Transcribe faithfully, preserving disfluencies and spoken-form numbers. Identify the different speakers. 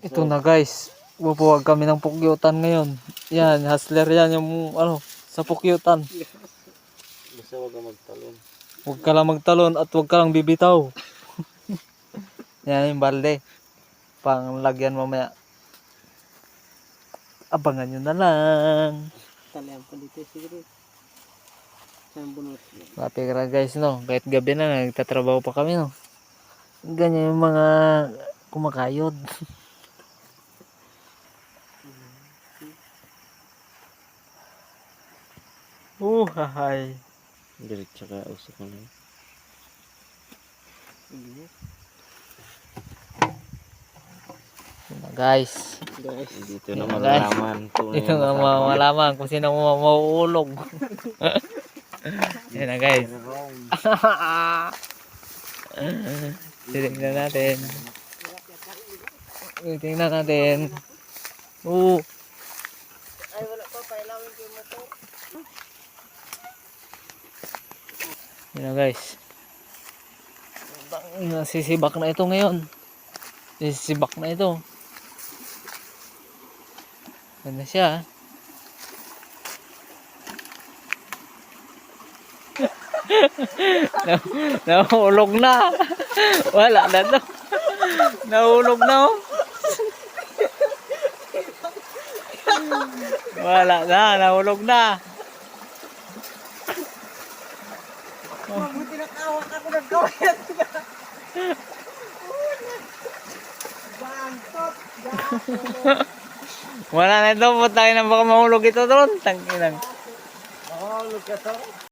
Speaker 1: Ito na guys, bubuwag kami ng pukyutan ngayon. Yan, hustler yan yung ano, sa pukyutan.
Speaker 2: Basta huwag kang magtalon.
Speaker 1: Huwag ka lang magtalon at huwag ka lang bibitaw. Yan yung balde. Panglagyan mamaya. Abangan nyo na lang.
Speaker 2: Talihan pa dito siguro. Saan bunot?
Speaker 1: Mapi ka guys no, kahit gabi na nagtatrabaho pa kami no. Ganyan yung mga kumakayod. Uh, hahay.
Speaker 2: Diretso ka, usok mo na.
Speaker 1: Yun na, guys.
Speaker 2: Guys, dito
Speaker 1: Yun
Speaker 2: na
Speaker 1: na, guys.
Speaker 2: malalaman.
Speaker 1: Ito na malaman kung sino mo mauulog. Yan na guys. Tingnan natin. Tingnan natin. Oo.
Speaker 2: Ay, wala pa. Pailawin ko yung motor.
Speaker 1: Yan na guys. Nasisibak na ito ngayon. Nasisibak na ito. Yan na siya. Nahulog na. Wala na to. Nahulog na oh. Wala na, nahulog na.
Speaker 2: Mabuti na kawak ako nagkawin.
Speaker 1: Wala na ito, putangin na baka mahulog ito doon. Tanginang.
Speaker 2: Mahulog ka to.